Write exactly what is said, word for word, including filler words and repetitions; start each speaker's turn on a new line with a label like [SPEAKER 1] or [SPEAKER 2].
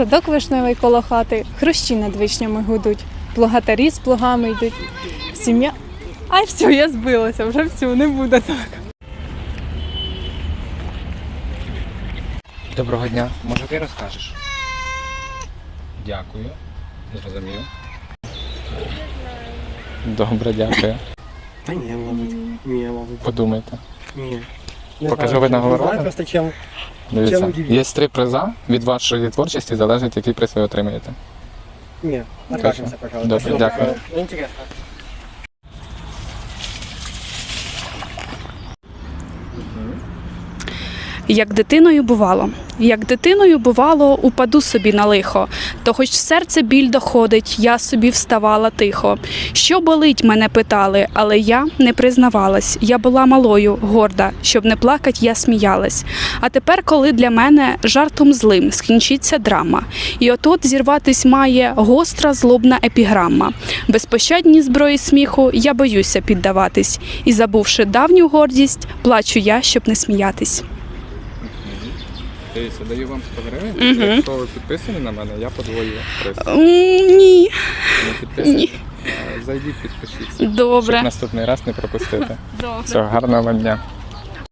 [SPEAKER 1] садок вишневий коло хати, хрущі над вишнями гудуть, плугатарі з плугами йдуть, сім'я... Ай, все, я збилася, вже все, не буде так.
[SPEAKER 2] Доброго дня. Може ти розкажеш? Дякую. Зрозумів. Добре, дякую.
[SPEAKER 3] Та ні, мабуть. Ні, мабуть.
[SPEAKER 2] Подумайте.
[SPEAKER 3] Ні.
[SPEAKER 2] Покажу ви нагороду.
[SPEAKER 3] Знаю просто чим.
[SPEAKER 2] Дивіться,
[SPEAKER 3] Чим удивити?
[SPEAKER 2] є три приза. Від вашої творчості залежить, який приз ви отримаєте.
[SPEAKER 3] Ні, откажемся, пожалуйста.
[SPEAKER 2] Добре,
[SPEAKER 3] Спасибо.
[SPEAKER 2] дякую.
[SPEAKER 3] Интересно.
[SPEAKER 4] Як дитиною бувало, як дитиною бувало, упаду собі на лихо, то хоч в серце біль доходить, я собі вставала тихо. Що болить, мене питали, але я не признавалась. Я була малою, горда, щоб не плакать, я сміялась. А тепер, коли для мене жартом злим скінчиться драма, і отут зірватись має гостра злобна епіграма. Безпощадній зброї сміху я боюся піддаватись, і, забувши давню гордість, плачу я, щоб не сміятись.
[SPEAKER 2] Дивіться, даю вам сто гривень.
[SPEAKER 4] Мгм.
[SPEAKER 2] Якщо ви підписані на мене, я подвою приз.
[SPEAKER 4] М, Ні.
[SPEAKER 2] Не підписані?
[SPEAKER 4] Ні.
[SPEAKER 2] Е, Зайдіть, підпишіться.
[SPEAKER 4] Добре.
[SPEAKER 2] Щоб наступний раз не пропустити.
[SPEAKER 4] Добре.
[SPEAKER 2] Все, гарного вам дня.